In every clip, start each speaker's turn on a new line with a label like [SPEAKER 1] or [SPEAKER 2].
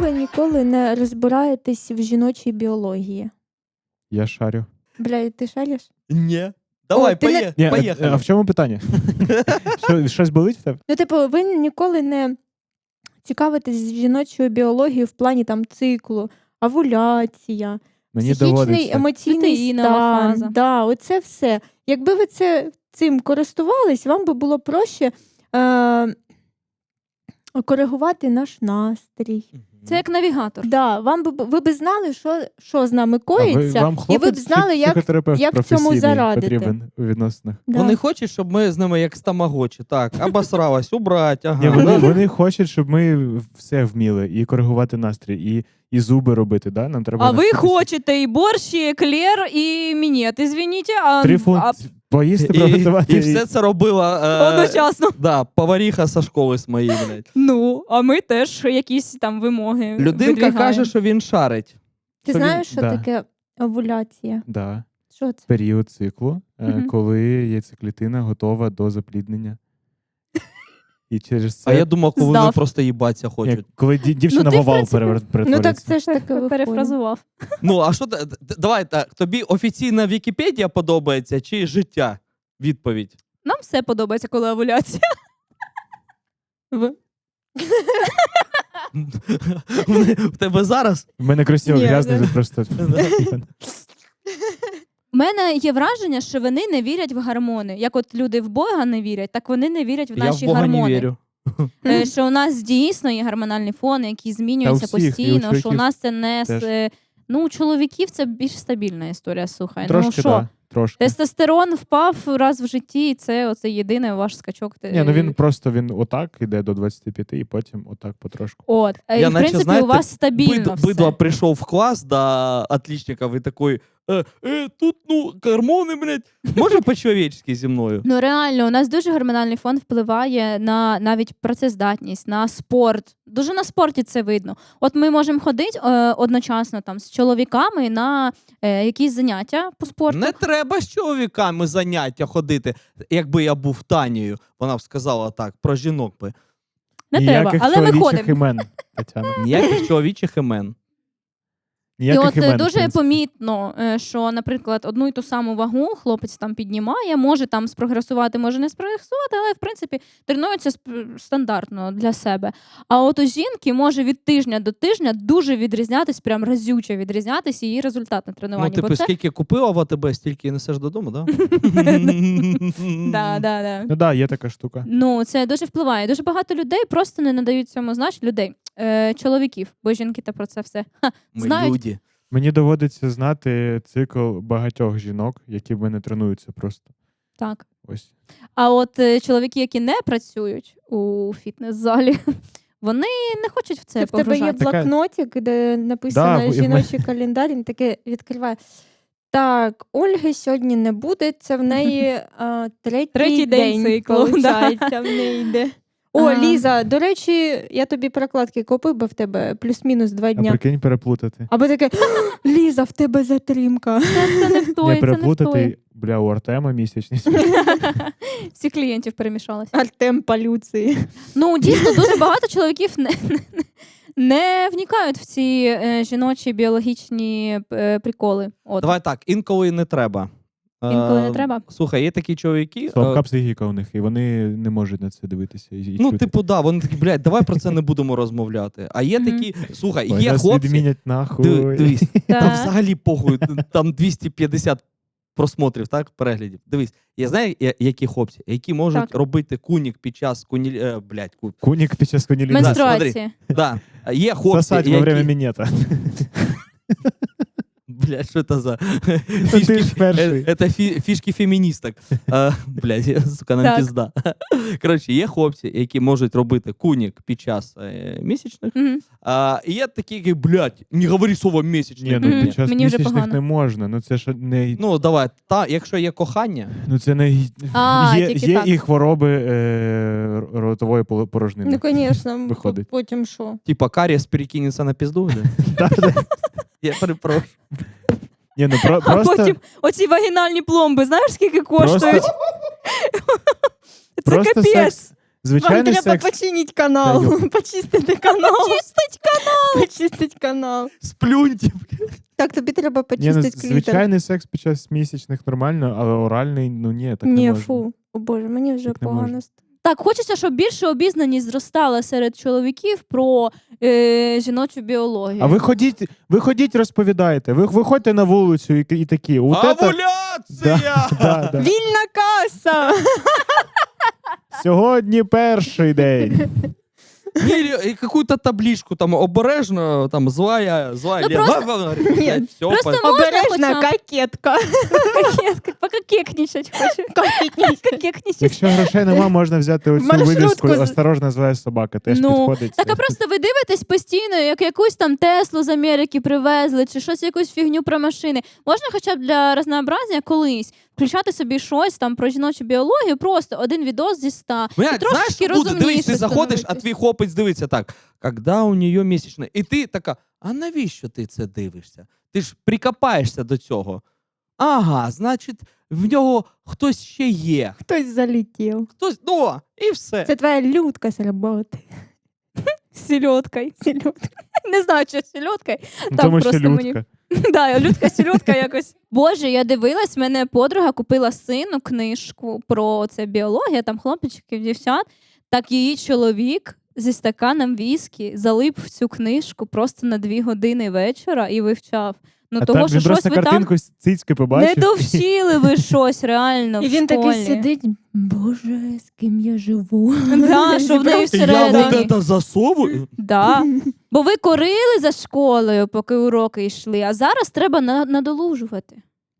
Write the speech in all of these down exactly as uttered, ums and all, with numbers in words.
[SPEAKER 1] ви ніколи не розбираєтесь в жіночій біології?
[SPEAKER 2] Я шарю.
[SPEAKER 1] Бля, ти шариш?
[SPEAKER 3] Ні. Давай,
[SPEAKER 1] О, ти не-
[SPEAKER 3] пое-
[SPEAKER 2] Ні,
[SPEAKER 3] поїхали.
[SPEAKER 2] а, а в чому питання? Що, щось болить в тебе?
[SPEAKER 1] Ну, типу, ви ніколи не цікавитесь жіночою біологією в плані там циклу, овуляція,
[SPEAKER 2] Мені
[SPEAKER 1] психічний,
[SPEAKER 2] доводиться.
[SPEAKER 1] емоційний
[SPEAKER 4] Протеїнова
[SPEAKER 1] стан.
[SPEAKER 4] фаза.
[SPEAKER 1] Да, оце все. Якби ви це, цим користувались, вам би було проще е- коригувати наш настрій.
[SPEAKER 4] Це як навігатор.
[SPEAKER 1] Да, вам би, ви б знали, що, що з нами
[SPEAKER 2] А ви,
[SPEAKER 1] коїться,
[SPEAKER 2] вам
[SPEAKER 1] і ви б
[SPEAKER 2] хлопець
[SPEAKER 1] знали,
[SPEAKER 2] чи
[SPEAKER 1] як,
[SPEAKER 2] психотерапевт
[SPEAKER 1] як в цьому
[SPEAKER 2] професійний
[SPEAKER 1] зарадити.
[SPEAKER 2] потрібен у відносинах?
[SPEAKER 1] Да.
[SPEAKER 3] Вони хочуть, щоб ми з ними як з тамагочі. Так, обосралась, убрать, ага.
[SPEAKER 2] Ні, вони,
[SPEAKER 3] да?
[SPEAKER 2] вони хочуть, щоб ми все вміли. І коригувати настрій, і, і зуби робити. Да? Нам треба
[SPEAKER 4] А ви
[SPEAKER 2] навчитися.
[SPEAKER 4] хочете і борщ, і еклер, і мінет, извините, а,
[SPEAKER 2] Три фунт
[SPEAKER 4] а
[SPEAKER 2] поїсти,
[SPEAKER 3] І,
[SPEAKER 2] приготувати.
[SPEAKER 3] і все це робила е,
[SPEAKER 4] одночасно.
[SPEAKER 3] да, поваріха зі школи з моєї, блядь.
[SPEAKER 4] Ну, а ми теж якісь там вимоги
[SPEAKER 3] Людинка
[SPEAKER 4] видвигаємо.
[SPEAKER 3] каже, що він шарить.
[SPEAKER 1] Ти
[SPEAKER 2] Що він-
[SPEAKER 1] знаєш, що
[SPEAKER 2] да.
[SPEAKER 1] таке овуляція?
[SPEAKER 2] Да.
[SPEAKER 1] Що це?
[SPEAKER 2] Період циклу, е,
[SPEAKER 4] Мгм.
[SPEAKER 2] коли яйцеклітина готова до запліднення. І через це,
[SPEAKER 3] А я думав, коли вони
[SPEAKER 4] Здав.
[SPEAKER 3] просто їбатися
[SPEAKER 2] Ні,
[SPEAKER 3] хочуть.
[SPEAKER 2] коли ді- дівчина
[SPEAKER 4] Ну, ти,
[SPEAKER 2] в
[SPEAKER 4] в
[SPEAKER 2] овал
[SPEAKER 4] принципі,
[SPEAKER 2] перевер-
[SPEAKER 1] Ну так
[SPEAKER 2] перетворюється.
[SPEAKER 1] це ж таке виходить.
[SPEAKER 4] Перефразував.
[SPEAKER 3] Ну, а що, т- т- давай так, тобі офіційна Вікіпедія подобається чи життя? Відповідь.
[SPEAKER 4] Нам все подобається, коли овуляція. Ви?
[SPEAKER 3] В тебе зараз?
[SPEAKER 2] У мене кросівок
[SPEAKER 1] Ні,
[SPEAKER 2] грязний,
[SPEAKER 1] да.
[SPEAKER 2] тут просто...
[SPEAKER 4] У мене є враження, що вони не вірять в гормони. Як от люди в Бога не вірять, так вони не вірять в
[SPEAKER 3] Я
[SPEAKER 4] наші
[SPEAKER 3] в Бога
[SPEAKER 4] гормони.
[SPEAKER 3] не вірю.
[SPEAKER 4] Е, Що у нас дійсно є гормональний фон, який змінюється
[SPEAKER 2] Та у всіх, і у
[SPEAKER 4] постійно, що у
[SPEAKER 2] чоловіків
[SPEAKER 4] нас це не
[SPEAKER 2] теж.
[SPEAKER 4] з... е, Ну, у чоловіків це більш стабільна історія, слухай. ну
[SPEAKER 2] Трошки,
[SPEAKER 4] що,
[SPEAKER 2] да, трошки.
[SPEAKER 4] тестостерон впав раз в житті, і це оце єдиний ваш скачок.
[SPEAKER 2] Ні, ну він просто він отак іде до двадцяти п'яти і потім отак потрошку.
[SPEAKER 4] От. Е,
[SPEAKER 3] Я
[SPEAKER 4] і, в
[SPEAKER 3] наче,
[SPEAKER 4] принципі,
[SPEAKER 3] знаєте,
[SPEAKER 4] у вас стабільно
[SPEAKER 3] Бид,
[SPEAKER 4] все.
[SPEAKER 3] бидло прийшов в клас до отличників і такий, е, е, тут, ну, гормони, блядь, може по-чоловічськи зі мною?
[SPEAKER 4] Ну реально, у нас дуже гормональний фон впливає на навіть працездатність, на спорт. Дуже на спорті це видно. От ми можемо ходити е, одночасно там з чоловіками на е, якісь заняття по спорту.
[SPEAKER 3] Не треба з чоловіками заняття ходити. Якби я був Танією, вона б сказала так, про жінок би.
[SPEAKER 4] Не
[SPEAKER 2] Ніяких
[SPEAKER 4] треба, але ми
[SPEAKER 2] чоловічих
[SPEAKER 4] ходимо.
[SPEAKER 2] імен, Тетяна.
[SPEAKER 3] Ніяких чоловічих імен.
[SPEAKER 4] І
[SPEAKER 2] Ніяких
[SPEAKER 4] от е,
[SPEAKER 2] імен, в
[SPEAKER 4] дуже
[SPEAKER 2] принципі.
[SPEAKER 4] помітно, е, що, наприклад, одну і ту саму вагу хлопець там піднімає, може там спрогресувати, може не спрогресувати, але в принципі тренується сп- стандартно для себе. А от у жінки може від тижня до тижня дуже відрізнятись, прям разюче відрізнятись її результат на
[SPEAKER 3] Ну,
[SPEAKER 4] тренуванні.
[SPEAKER 3] типу,
[SPEAKER 4] Бо це...
[SPEAKER 3] скільки купила в АТБ, стільки і несеш додому, да?
[SPEAKER 4] да, да, да.
[SPEAKER 2] Ну да, є така штука.
[SPEAKER 4] Ну, це дуже впливає. Дуже багато людей просто не надають цьому значення. Людей, е, чоловіків, бо жінки та про це все ха,
[SPEAKER 3] Ми
[SPEAKER 4] знають.
[SPEAKER 3] люди.
[SPEAKER 2] Мені доводиться знати цикл багатьох жінок, які в мене тренуються просто.
[SPEAKER 4] Так.
[SPEAKER 2] Ось.
[SPEAKER 4] А от е, чоловіки, які не працюють у фітнес-залі, вони не хочуть в це,
[SPEAKER 1] Це в тебе є
[SPEAKER 4] погружатися.
[SPEAKER 2] Така-
[SPEAKER 1] блокнотик, де написано
[SPEAKER 2] Да, і в
[SPEAKER 1] жіночий календар, він таке відкриває. Так, Ольги сьогодні не буде, це в неї а, третій,
[SPEAKER 4] Третій день циклу,
[SPEAKER 1] получається, в неї йде. О,
[SPEAKER 4] Ага.
[SPEAKER 1] Ліза, до речі, я тобі прокладки купив, бо в тебе плюс-мінус два
[SPEAKER 2] А
[SPEAKER 1] дня.
[SPEAKER 2] прикинь, переплутати.
[SPEAKER 1] Або таке, Ліза, в тебе затримка.
[SPEAKER 4] Це, це не в
[SPEAKER 2] Не
[SPEAKER 4] той, це не в той.
[SPEAKER 2] переплутати, бля, у Артема місячні.
[SPEAKER 4] Всі клієнтів перемішалися.
[SPEAKER 1] Артем полюції.
[SPEAKER 4] Ну, дійсно, дуже багато чоловіків не, не, не вникають в ці е, жіночі біологічні е, приколи. От.
[SPEAKER 3] Давай так, інколи не треба.
[SPEAKER 4] Інколи не
[SPEAKER 3] Е,
[SPEAKER 4] треба?
[SPEAKER 3] Слухай, є такі чоловіки.
[SPEAKER 2] Слабка
[SPEAKER 3] е,
[SPEAKER 2] психіка у них, і вони не можуть на це дивитися. І, і
[SPEAKER 3] Ну,
[SPEAKER 2] чути.
[SPEAKER 3] типу, да, вони такі, блядь, давай про це не будемо розмовляти. А є
[SPEAKER 4] Мгм.
[SPEAKER 3] такі, слухай,
[SPEAKER 2] Ой,
[SPEAKER 3] є
[SPEAKER 2] нас
[SPEAKER 3] хлопці.
[SPEAKER 2] відмінять
[SPEAKER 3] Диви-
[SPEAKER 2] нахуй.
[SPEAKER 3] Дивись,
[SPEAKER 4] Так.
[SPEAKER 3] там взагалі похуй, там двісті п'ятдесят просмотрів, так, переглядів. Дивись, я знаю, я- які хлопці, які можуть
[SPEAKER 4] Так.
[SPEAKER 3] робити кунік під час куні... е, блядь, ку...
[SPEAKER 2] Кунік під час конілізації.
[SPEAKER 4] Менструації.
[SPEAKER 3] Да. Є хлопці,
[SPEAKER 2] Сосать во
[SPEAKER 3] які...
[SPEAKER 2] время мінета.
[SPEAKER 3] Блядь, що це за
[SPEAKER 2] ти ж перший.
[SPEAKER 3] Е, Это фі- фішки феміністок. А, Блядь, сука, нам
[SPEAKER 4] Так.
[SPEAKER 3] пізда. Коротше, є хлопці, які можуть робити кунік під час е, місячних.
[SPEAKER 4] Мгм.
[SPEAKER 3] А, і є такі, які, блядь, не говори слово
[SPEAKER 2] Ні,
[SPEAKER 3] місячні.
[SPEAKER 2] ну
[SPEAKER 4] Мгм.
[SPEAKER 2] під час
[SPEAKER 4] Мені вже
[SPEAKER 2] місячних
[SPEAKER 4] погано.
[SPEAKER 2] не можна. Ну це ж не...
[SPEAKER 3] Ну, давай, та, якщо є кохання,
[SPEAKER 2] Ну це не...
[SPEAKER 4] А,
[SPEAKER 2] є
[SPEAKER 4] тільки
[SPEAKER 2] є
[SPEAKER 4] так.
[SPEAKER 2] і хвороби е, ротової поло- порожнини.
[SPEAKER 1] Ну, звісно,
[SPEAKER 2] Виходить.
[SPEAKER 1] потім що?
[SPEAKER 3] типа карієс перекинеться на пізду, да? Я перепрошую.
[SPEAKER 2] Ні, ну про,
[SPEAKER 4] А
[SPEAKER 2] просто,
[SPEAKER 4] потім оці вагінальні пломби, знаєш, скільки коштують? Це
[SPEAKER 2] просто
[SPEAKER 4] капець.
[SPEAKER 2] секс
[SPEAKER 1] Вам
[SPEAKER 2] звичайний
[SPEAKER 1] треба
[SPEAKER 2] секс.
[SPEAKER 1] починити канал,
[SPEAKER 2] Та йо.
[SPEAKER 1] почистити канал.
[SPEAKER 4] Чистить канал!
[SPEAKER 1] Почистити канал.
[SPEAKER 3] Сплюньте.
[SPEAKER 1] Так, тобі треба
[SPEAKER 2] Ні, ну,
[SPEAKER 1] почистити клітер.
[SPEAKER 2] звичайний секс під час місячних нормально, але оральний, ну ні, так не
[SPEAKER 1] Ні,
[SPEAKER 2] можна.
[SPEAKER 1] фу. О Боже, мені вже
[SPEAKER 2] Так не
[SPEAKER 1] погано.
[SPEAKER 2] можна.
[SPEAKER 1] стало.
[SPEAKER 4] Так, хочеться, щоб більше обізнаність зростала серед чоловіків про е, жіночу біологію.
[SPEAKER 2] А ви ходіть, ви ходіть, розповідаєте. Ви виходьте на вулицю і, і такі. От это-
[SPEAKER 3] Овуляція!
[SPEAKER 2] Да, да.
[SPEAKER 1] Вільна каса!
[SPEAKER 2] Сьогодні перший день.
[SPEAKER 3] Или и какую-то табличку там обережно, там злая, злая.
[SPEAKER 4] Ну,
[SPEAKER 3] Лена.
[SPEAKER 4] просто-
[SPEAKER 3] Блядь, всё,
[SPEAKER 4] просто
[SPEAKER 3] по-
[SPEAKER 1] Обережна
[SPEAKER 4] хоча б.
[SPEAKER 1] кокетка.
[SPEAKER 4] Поки кекнічать хочу.
[SPEAKER 1] Кокетничка.
[SPEAKER 4] Кекнічать.
[SPEAKER 2] Якщо грошей нема, можна взяти оцю
[SPEAKER 1] Маршрутку
[SPEAKER 2] вивіску
[SPEAKER 1] з-
[SPEAKER 2] «Осторожна, злая собака». Теж
[SPEAKER 4] Ну,
[SPEAKER 2] підходить.
[SPEAKER 4] Так,
[SPEAKER 2] це.
[SPEAKER 4] а просто ви дивитесь постійно, як якусь там Теслу з Америки привезли, чи щось, якусь фігню про машини. Можна хоча б для разнообразення колись включати собі щось там про жіночу біологію, просто один відос зі ста.
[SPEAKER 3] Блядь,
[SPEAKER 4] І трошечки
[SPEAKER 3] знаєш, що буде? Дивись,
[SPEAKER 4] розумніше
[SPEAKER 3] ти заходиш, а
[SPEAKER 4] становитись.
[SPEAKER 3] твій хлопець дивиться так. Когда у нее місячне? І ти така, а навіщо ти це дивишся? Ти ж прикопаєшся до цього. Ага, значить, в нього хтось ще є.
[SPEAKER 1] Хтось залетів.
[SPEAKER 3] Хтось, ну, і все.
[SPEAKER 1] Це твоя людка з роботи.
[SPEAKER 4] З сільоткою.
[SPEAKER 1] Сільотка.
[SPEAKER 4] Не знаю, що з сільоткою.
[SPEAKER 2] Ну,
[SPEAKER 4] там
[SPEAKER 2] тому що
[SPEAKER 4] просто мені-
[SPEAKER 2] людка.
[SPEAKER 4] Да, людка сільотка якось. Боже, я дивилась, мене подруга купила сину книжку про це біологія, там хлопчиків, дівчат. Так її чоловік зі стаканом віскі залип в цю книжку просто на дві години вечора і вивчав. Ну,
[SPEAKER 2] А
[SPEAKER 4] того,
[SPEAKER 2] так
[SPEAKER 4] що
[SPEAKER 2] він
[SPEAKER 4] щось
[SPEAKER 2] просто
[SPEAKER 4] ви там
[SPEAKER 2] картинку з цицьки
[SPEAKER 4] не
[SPEAKER 2] побачив.
[SPEAKER 4] довчили ви щось реально
[SPEAKER 1] І
[SPEAKER 4] в
[SPEAKER 1] він такий
[SPEAKER 4] школі.
[SPEAKER 1] сидить, боже, з ким я живу.
[SPEAKER 4] Да, що в неї
[SPEAKER 3] Я
[SPEAKER 4] всередині.
[SPEAKER 3] вот это засовую.
[SPEAKER 4] Да. Бо ви корили за школою, поки уроки йшли, а зараз треба на- надолужувати.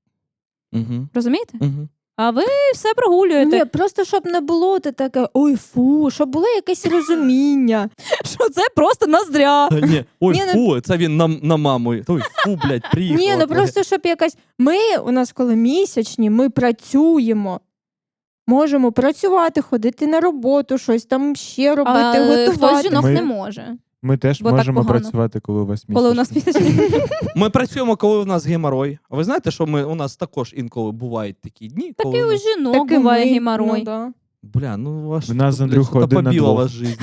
[SPEAKER 3] Угу,
[SPEAKER 4] Розумієте?
[SPEAKER 3] угу.
[SPEAKER 4] А ви все прогулюєте.
[SPEAKER 1] Ні, просто щоб не було ти таке, ой, фу, щоб було якесь розуміння.
[SPEAKER 4] Що це просто ноздря.
[SPEAKER 3] Ні, ой,
[SPEAKER 1] Ні, ну-
[SPEAKER 3] фу, це він на, на маму. Ой, фу, блядь, приїхав.
[SPEAKER 1] Ні, ну просто щоб якась. Ми, у нас коли місячні, ми працюємо. Можемо працювати, ходити на роботу, щось там ще робити,
[SPEAKER 4] А хтось
[SPEAKER 1] готувати.
[SPEAKER 4] жінок
[SPEAKER 2] Ми-
[SPEAKER 4] не може.
[SPEAKER 2] Ми теж
[SPEAKER 4] Бо так
[SPEAKER 2] можемо
[SPEAKER 4] погано.
[SPEAKER 2] працювати, коли у вас місяць.
[SPEAKER 4] Коли у нас місячні.
[SPEAKER 3] Ми працюємо, коли у нас геморой. А ви знаєте, що ми, у нас також інколи бувають такі дні, коли
[SPEAKER 4] Такий
[SPEAKER 3] у
[SPEAKER 4] у
[SPEAKER 3] нас...
[SPEAKER 4] жінок
[SPEAKER 1] Так і
[SPEAKER 4] буває
[SPEAKER 1] ми,
[SPEAKER 4] геморой.
[SPEAKER 1] ну да.
[SPEAKER 3] Бля, ну ваш...
[SPEAKER 2] В нас з
[SPEAKER 3] бля,
[SPEAKER 2] Андрюхою
[SPEAKER 3] що-то
[SPEAKER 2] один на
[SPEAKER 3] побила
[SPEAKER 2] двох.
[SPEAKER 3] вас жизнь.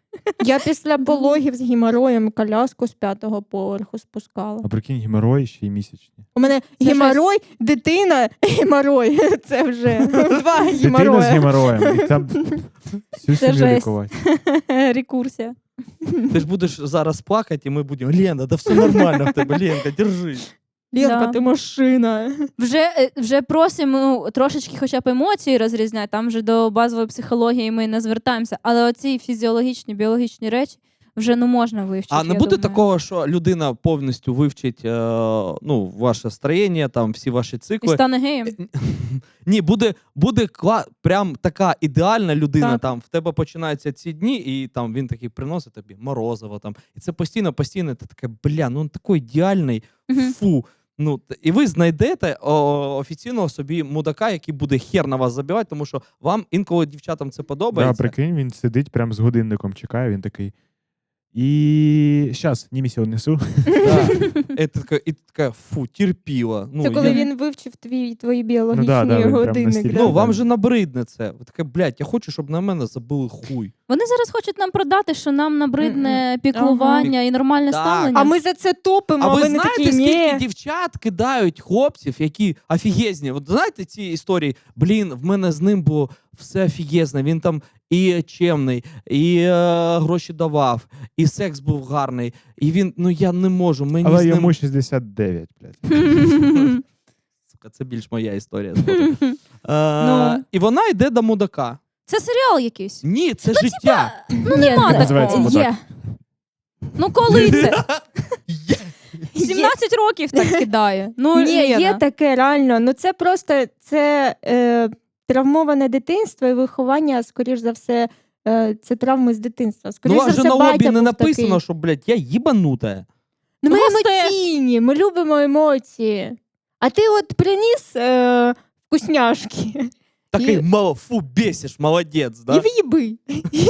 [SPEAKER 1] Я після пологів з геморроєм коляску з п'ятого поверху спускала.
[SPEAKER 2] А прикинь, геморой ще й місячні.
[SPEAKER 1] У мене
[SPEAKER 4] Це
[SPEAKER 1] геморой, дитина, геморой. Це вже два
[SPEAKER 2] Дитина з
[SPEAKER 1] геморроя.
[SPEAKER 2] гемороєм. І там всю
[SPEAKER 4] Це
[SPEAKER 2] сім'ю
[SPEAKER 4] жесть.
[SPEAKER 2] лікувати.
[SPEAKER 4] Рекурсія.
[SPEAKER 3] Ти ж будеш зараз плакати, і ми будемо, Лена, да все нормально в тебе, Ленка, держись.
[SPEAKER 1] Лєнка,
[SPEAKER 4] Да.
[SPEAKER 1] ти машина.
[SPEAKER 4] Вже, е, вже просимо трошечки хоча б емоції розрізняти, там вже до базової психології ми не звертаємося, але оці фізіологічні, біологічні речі вже ну можна вивчити.
[SPEAKER 3] А не
[SPEAKER 4] я
[SPEAKER 3] буде
[SPEAKER 4] думаю.
[SPEAKER 3] такого, що людина повністю вивчить е, ну, ваше строєння, там, всі ваші
[SPEAKER 4] І
[SPEAKER 3] цикли.
[SPEAKER 4] стане геєм.
[SPEAKER 3] Ні, буде, буде кла... прям така ідеальна людина.
[SPEAKER 1] Так.
[SPEAKER 3] Там в тебе починаються ці дні, і там він такий приносить тобі морозиво. Там, і це постійно, постійно ти таке, бля, ну він такий ідеальний,
[SPEAKER 4] Мгм.
[SPEAKER 3] фу. Ну, т- і ви знайдете о, офіційного собі мудака, який буде хер на вас забивати, тому що вам інколи дівчатам це
[SPEAKER 2] Да,
[SPEAKER 3] подобається.
[SPEAKER 2] прикинь, він сидить прям з годинником, чекає, він такий. І щас, німісі однесу.
[SPEAKER 3] Да. І ти така, і ти така, фу, терпіла. Ну,
[SPEAKER 1] Це коли
[SPEAKER 3] я-
[SPEAKER 1] він вивчив твій, твої біологічні
[SPEAKER 2] да, да, він прям
[SPEAKER 1] годинники.
[SPEAKER 2] настільки-
[SPEAKER 1] да?
[SPEAKER 3] Ну, вам же набридне це. Ви таке, блядь, я хочу, щоб на мене забили хуй.
[SPEAKER 4] Вони зараз хочуть нам продати, що нам набридне
[SPEAKER 1] Мгм.
[SPEAKER 4] піклування і нормальне
[SPEAKER 3] Так.
[SPEAKER 4] ставлення.
[SPEAKER 1] А ми за це топимо,
[SPEAKER 3] А
[SPEAKER 1] а
[SPEAKER 3] ви
[SPEAKER 1] вони
[SPEAKER 3] знаєте,
[SPEAKER 1] такі,
[SPEAKER 3] скільки
[SPEAKER 1] ні.
[SPEAKER 3] дівчат кидають хлопців, які офігезні? От знаєте ці історії? Блін, в мене з ним було все офігезне. Він там і чемний, і е, гроші давав, і секс був гарний. І він, ну я не можу. Мені
[SPEAKER 2] Але
[SPEAKER 3] з ним...
[SPEAKER 2] йому шістдесят дев'ять, блядь.
[SPEAKER 3] Сука, це більш моя історія. згодом. Е,
[SPEAKER 4] Ну.
[SPEAKER 3] І вона йде до мудака.
[SPEAKER 4] Це серіал якийсь.
[SPEAKER 3] Ні, це життя.
[SPEAKER 4] Ну нема
[SPEAKER 2] Називається
[SPEAKER 4] такого.
[SPEAKER 2] «Мудак».
[SPEAKER 1] Є.
[SPEAKER 4] Ну коли це?
[SPEAKER 3] Є.
[SPEAKER 4] сімнадцять років так кидає. Ну,
[SPEAKER 1] Ні, є
[SPEAKER 4] Лена.
[SPEAKER 1] таке реально. Ну це просто це е, травмоване дитинство і виховання, скоріш за все, е, це травми з дитинства.
[SPEAKER 3] Ну,
[SPEAKER 1] Скоріш
[SPEAKER 3] у вас
[SPEAKER 1] за
[SPEAKER 3] же
[SPEAKER 1] все,
[SPEAKER 3] на лобі
[SPEAKER 1] батя
[SPEAKER 3] не
[SPEAKER 1] був
[SPEAKER 3] написано,
[SPEAKER 1] такий.
[SPEAKER 3] що, блядь, я їбанута.
[SPEAKER 1] Ну, ми
[SPEAKER 4] Ну, просто-
[SPEAKER 1] емоційні, ми любимо емоції. А ти от приніс е, вкусняшки
[SPEAKER 3] Такий,
[SPEAKER 1] І-
[SPEAKER 3] мало, фу, бесиш, молодець, да?
[SPEAKER 1] і в'їби.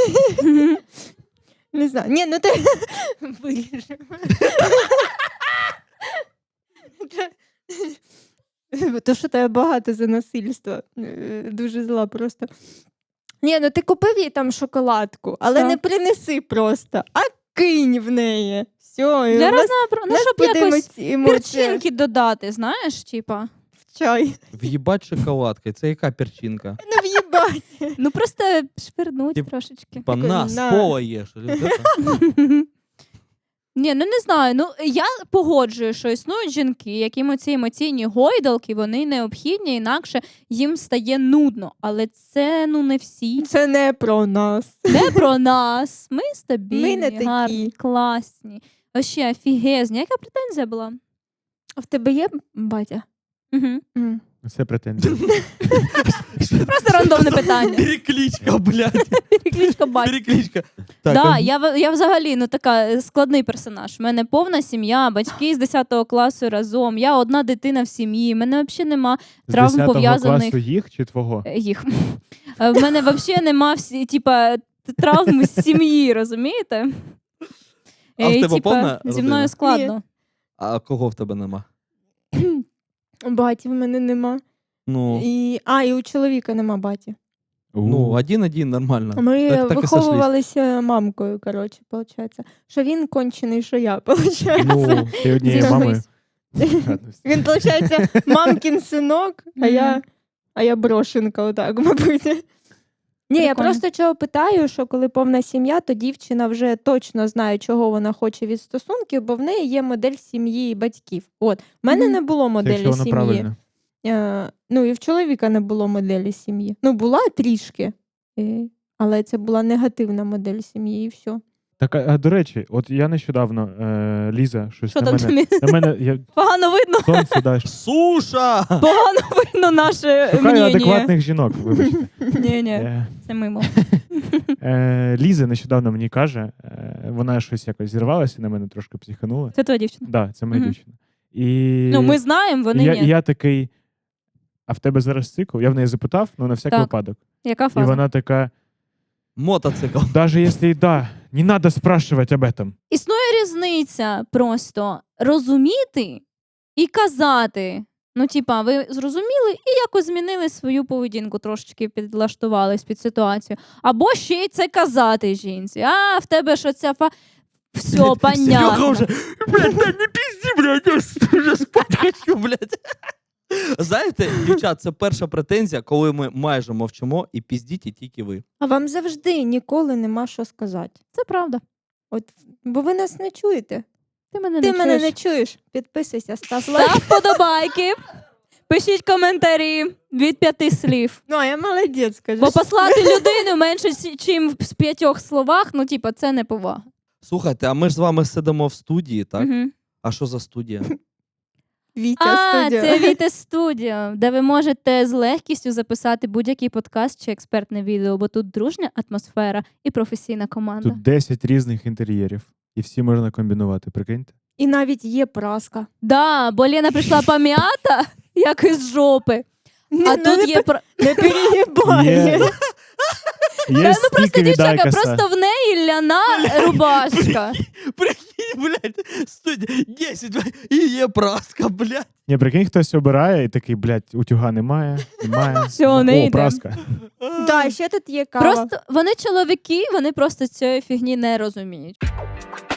[SPEAKER 1] Не знаю. Ні, ну ти виріжемо. То, що тебе багато за насильство. Е, Дуже зла просто. Ні, ну ти купив їй там шоколадку, але
[SPEAKER 4] Так.
[SPEAKER 1] не принеси просто, а кинь в неї. Все, і
[SPEAKER 4] Для
[SPEAKER 1] в нас,
[SPEAKER 4] разнообра...
[SPEAKER 1] в
[SPEAKER 4] Ну,
[SPEAKER 1] нас
[SPEAKER 4] щоб
[SPEAKER 1] буде
[SPEAKER 4] якось
[SPEAKER 1] емоці- емоція
[SPEAKER 4] перчинки додати, знаєш, типа.
[SPEAKER 1] в чай.
[SPEAKER 3] В'їбать шоколадкою. Це яка перчинка?
[SPEAKER 1] Не в'їбать.
[SPEAKER 4] Ну просто швирнуть
[SPEAKER 3] Тип-
[SPEAKER 4] трошечки.
[SPEAKER 3] Типа
[SPEAKER 1] Такой,
[SPEAKER 3] на,
[SPEAKER 1] на.
[SPEAKER 3] з пола їш. Или от это?
[SPEAKER 4] Ні, ну не знаю. Ну я погоджую, що існують жінки, яким ці емоційні гойдалки вони необхідні, інакше їм стає нудно. Але це ну не всі.
[SPEAKER 1] Це не про нас.
[SPEAKER 4] Не про нас. Ми стабільні,
[SPEAKER 1] Ми не такі.
[SPEAKER 4] гарні, класні. Вообще офігезні. Яка претензія була?
[SPEAKER 1] А в тебе є батя?
[SPEAKER 4] Угу.
[SPEAKER 1] М.
[SPEAKER 2] Це претензія.
[SPEAKER 4] Просто рандомне питання.
[SPEAKER 3] Перекличка, блядь.
[SPEAKER 4] Перекличка батька.
[SPEAKER 3] Перекличка. Так,
[SPEAKER 4] Да,
[SPEAKER 3] а-
[SPEAKER 4] я, в- я взагалі ну така е, складний персонаж. У мене повна сім'я, батьки з десятого класу разом. Я одна дитина в сім'ї. У мене взагалі нема
[SPEAKER 2] З
[SPEAKER 4] травм
[SPEAKER 2] десятого
[SPEAKER 4] пов'язаних
[SPEAKER 2] класу їх чи твого?
[SPEAKER 4] е, їх. Е, В мене взагалі нема всі, типа, т- травм з сім'ї, розумієте?
[SPEAKER 3] А в
[SPEAKER 4] Е, і,
[SPEAKER 3] тебе
[SPEAKER 4] типа,
[SPEAKER 3] повна
[SPEAKER 4] зі
[SPEAKER 3] родина?
[SPEAKER 4] мною складно.
[SPEAKER 3] А кого в тебе нема?
[SPEAKER 1] Баті в мене нема.
[SPEAKER 3] Ну,
[SPEAKER 1] І... А, і у чоловіка нема баті.
[SPEAKER 3] ну
[SPEAKER 2] У.
[SPEAKER 3] один-один, нормально.
[SPEAKER 1] Ми
[SPEAKER 3] Так- так і сошлись.
[SPEAKER 1] виховувалися мамкою, коротше, виходить. Що він кончений, що я, виходить.
[SPEAKER 2] Ну, ти однією
[SPEAKER 1] Зі
[SPEAKER 2] мамою.
[SPEAKER 1] Він, виходить, мамкін синок, а я, а я брошенка, отак, мабуть. Ні, я
[SPEAKER 4] Прикольно.
[SPEAKER 1] просто чого питаю, що коли повна сім'я, то дівчина вже точно знає, чого вона хоче від стосунків, бо в неї є модель сім'ї і батьків. От, в мене
[SPEAKER 4] Мгм.
[SPEAKER 1] не було
[SPEAKER 2] Це
[SPEAKER 1] моделі
[SPEAKER 2] якщо воно
[SPEAKER 1] сім'ї.
[SPEAKER 2] правильно.
[SPEAKER 1] Е, ну і в чоловіка не було моделі сім'ї. Ну, була трішки, е, але це була негативна модель сім'ї, і все.
[SPEAKER 2] Так, а, а, до речі, от я нещодавно, е, Ліза, щось
[SPEAKER 4] Що
[SPEAKER 2] на
[SPEAKER 4] там
[SPEAKER 2] мене.
[SPEAKER 4] тобі?
[SPEAKER 2] На мене я
[SPEAKER 4] Погано видно,
[SPEAKER 2] сонце даш.
[SPEAKER 3] Суша!
[SPEAKER 4] погано видно наше
[SPEAKER 2] Шукаю
[SPEAKER 4] мнення.
[SPEAKER 2] адекватних жінок, вибачте.
[SPEAKER 4] Ні, ні,
[SPEAKER 2] Е,
[SPEAKER 4] це мимо.
[SPEAKER 2] е, Ліза нещодавно мені каже, е, вона щось якось зірвалася, на мене трошки психанула.
[SPEAKER 4] Це твоя дівчина.
[SPEAKER 2] Так, да, це моя
[SPEAKER 4] Мгм.
[SPEAKER 2] дівчина. І
[SPEAKER 4] Ну, ми знаємо, вони
[SPEAKER 2] я,
[SPEAKER 4] ні.
[SPEAKER 2] я такий, а в тебе зараз цикл? Я в неї запитав, ну на всякий
[SPEAKER 4] Так.
[SPEAKER 2] випадок.
[SPEAKER 4] Яка
[SPEAKER 2] І
[SPEAKER 4] фаза?
[SPEAKER 2] вона така,
[SPEAKER 3] Мотоцикл.
[SPEAKER 2] даже если и да, не надо спрашивать об этом.
[SPEAKER 4] Існує різниця просто розуміти і казати. Ну, типа, ви зрозуміли і якось змінили свою поведінку, трошечки підлаштувались під ситуацію. Або ще й це казати жінці. А, в тебе що ця фа. Все,
[SPEAKER 3] Серега
[SPEAKER 4] понятно.
[SPEAKER 3] вже, блядь, да не пізді, блядь, я ж вже спати хочу, блядь. Знаєте, дівчат, це перша претензія, коли ми майже мовчимо і піздіть тільки ви.
[SPEAKER 1] А вам завжди ніколи нема що сказати.
[SPEAKER 4] Це правда.
[SPEAKER 1] От, бо ви нас не чуєте.
[SPEAKER 4] Ти мене
[SPEAKER 1] Ти
[SPEAKER 4] не
[SPEAKER 1] мене
[SPEAKER 4] чуєш.
[SPEAKER 1] не чуєш. Підписуйся, став лайк.
[SPEAKER 4] Став подобайки. Пишіть коментарі від п'яти слів.
[SPEAKER 1] Ну, а я молодець, скажи.
[SPEAKER 4] Бо послати людину менше, чим в п'ятьох словах, ну, типа, це не повага.
[SPEAKER 3] Слухайте, а ми ж з вами сидимо в студії, так?
[SPEAKER 4] Мгм.
[SPEAKER 3] А що за студія?
[SPEAKER 1] Вітя
[SPEAKER 4] А,
[SPEAKER 1] студіо.
[SPEAKER 4] це Віте Студіо, де ви можете з легкістю записати будь-який подкаст чи експертне відео, бо тут дружня атмосфера і професійна команда.
[SPEAKER 2] Тут десять різних інтер'єрів. І всі можна комбінувати, прикиньте.
[SPEAKER 1] І навіть є праска.
[SPEAKER 4] Да, бо Лена прийшла пом'ята, як із жопи.
[SPEAKER 1] Не,
[SPEAKER 4] А
[SPEAKER 1] ну,
[SPEAKER 4] тут
[SPEAKER 1] не,
[SPEAKER 4] є
[SPEAKER 1] пе-
[SPEAKER 4] про...
[SPEAKER 1] не перегибай.
[SPEAKER 2] Є,
[SPEAKER 4] Та,
[SPEAKER 2] є
[SPEAKER 4] ну просто
[SPEAKER 2] стільки
[SPEAKER 4] дівчака,
[SPEAKER 2] відайкаса.
[SPEAKER 4] просто в неї ляна рубашка.
[SPEAKER 3] Прикинь, блядь, студія десять, блядь, і є праска, блядь.
[SPEAKER 2] Ні, прикинь, хтось обирає і такий, блядь, утюга немає, немає.
[SPEAKER 4] Всьо, не
[SPEAKER 2] О,
[SPEAKER 4] йде.
[SPEAKER 2] праска.
[SPEAKER 1] Да, ще тут є кава.
[SPEAKER 4] Просто вони чоловіки, вони просто цієї фігні не розуміють.